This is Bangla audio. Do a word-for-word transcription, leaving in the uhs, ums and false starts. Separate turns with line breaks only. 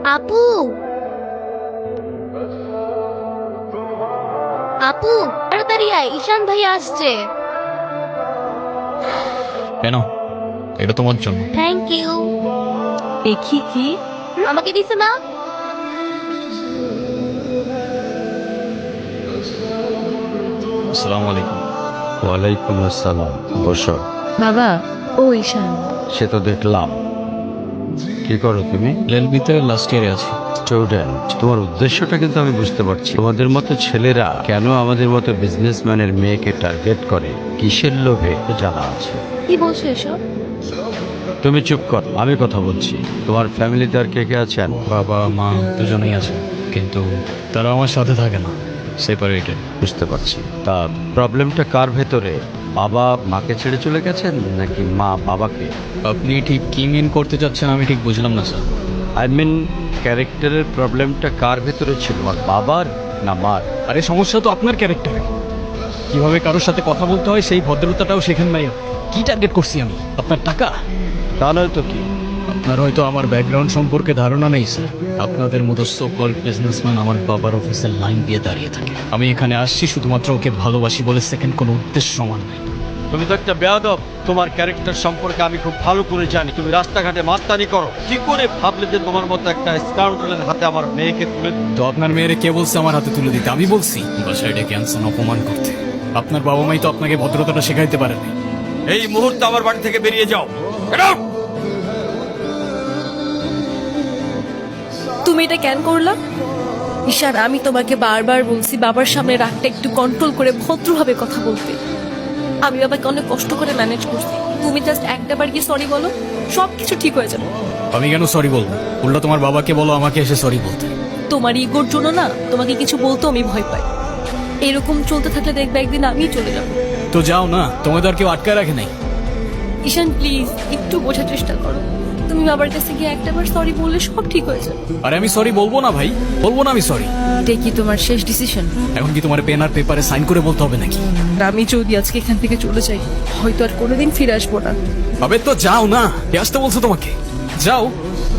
আপু, আপু তাড়াতাড়ি আয়, ঈশান ভাই আসছে।
কেন? এটা তোমার জন্য।
Thank you.
দেখি কি?
আমাকে দিছে না?
আসসালামু আলাইকুম।
ওয়ালাইকুম আসসালাম। বসো।
বাবা, ও ঈশান।
সে তো দেখলাম। কি করো তুমি?
এলএলবিতে লাস্ট ইয়ারে আছি।
স্টুডেন্ট। তোমার উদ্দেশ্যটা কিন্তু আমি বুঝতে পারছি। তোমাদের মতো ছেলেরা কেন আমাদের মতো বিজনেসম্যানের মেয়েকে টার্গেট করে, কিসের লোভে জানা আছে।
কি বলছো এসব?
তুমি চুপ কর, আমি কথা বলছি। তোমার ফ্যামিলিতে আর কে কে আছেন?
বাবা মা দুজনেই আছে, কিন্তু তারা আমার সাথে থাকে না, সেপারেটেড।
বুঝতে পারছি। তা প্রবলেমটা কার ভেতরে? বাবা মাকে ছেড়ে চলে গেছেন নাকি মা বাবাকে?
আপনি ঠিক কি মিন করতে চাচ্ছেন আমি ঠিক বুঝলাম না স্যার।
আই মিন ক্যারেক্টারের প্রবলেমটা কার ভেতরে ছিল, আর বাবার না মার?
আরে সমস্যা তো আপনার ক্যারেক্টারে। কিভাবে কারোর সাথে কথা বলতে হয় সেই ভদ্রতাটাও শেখেন নাই। কি টার্গেট করছি আমি? আপনার টাকা?
তা নয় তো কি?
আপনার হয়তো আমার ব্যাকগ্রাউন্ড সম্পর্কে ধারণা নেই স্যার। আপনাদের মতো সো কল্ড বিজনেসম্যান আমার বাবার অফিসের লাইন দিয়ে দাঁড়িয়ে থাকে। আমি এখানে আসছি শুধুমাত্র ওকে ভালোবাসি বলে, সেকেন্ড কোনো উদ্দেশ্য সমান নাই।
তুমি তো একটা বেয়াদব। তোমার ক্যারেক্টার সম্পর্কে আমি খুব ভালো করে জানি। তুমি রাস্তাঘাটে মাস্তানি করো। কি করে ভাবলে যে তোমার মতো একটা স্কাউন্ডারের হাতে আমার মেয়েকে তুলে?
তো আপনার মেয়েরে কে বলছে আমার হাতে তুলে দিতে? আমি বলছি বাসায় ডেকে আনছেন অপমান করতে। আপনার বাবা মাই তো আপনাকে ভদ্রতাটা শেখাইতে পারেনি।
এই মুহূর্তে আমার বাড়ি থেকে বেরিয়ে যাও। Get out!
তুমি এটা কেন করলা? ঈশান, আমি তোমাকে বারবার বলছি বাবার সামনে রাগটা একটু কন্ট্রোল করে ভদ্রভাবে কথা বলতে। আমি বাবাকে অনেক কষ্ট করে ম্যানেজ করছি। তুমি জাস্ট একটা বার কি সরি বলো, সব কিছু ঠিক হয়ে যাবে।
আমি কেন সরি বলবো? উল্টা তোমার বাবাকে বলো আমাকে এসে সরি বলতে।
তোমার ইগোর জন্য না তোমাকে কিছু বলতেও আমি ভয় পাই। এরকম চলতে থাকলে দেখবে একদিন আমি চলে যাবো।
তো যাও না, তোমাদের আর কেউ আটকায় রাখে নাই।
ঈশান প্লিজ একটু বোঝার চেষ্টা করো। তুমি বাবার কাছে গিয়ে একটা বার সরি বললে সব ঠিক হয়ে যাবে।
আরে আমি সরি বলবো না ভাই, বলবো না আমি সরি।
এটা কি তোমার শেষ ডিসিশন?
এখন কি তোমার পেন আর পেপারে সাইন করে বলতে হবে নাকি?
আমি যদি আজকে এখান থেকে চলে যাই, হয়তো আর কোনোদিন ফিরে আসবো না।
আবে তো যাও না, কে আসতে বলছো তোমাকে? যাও।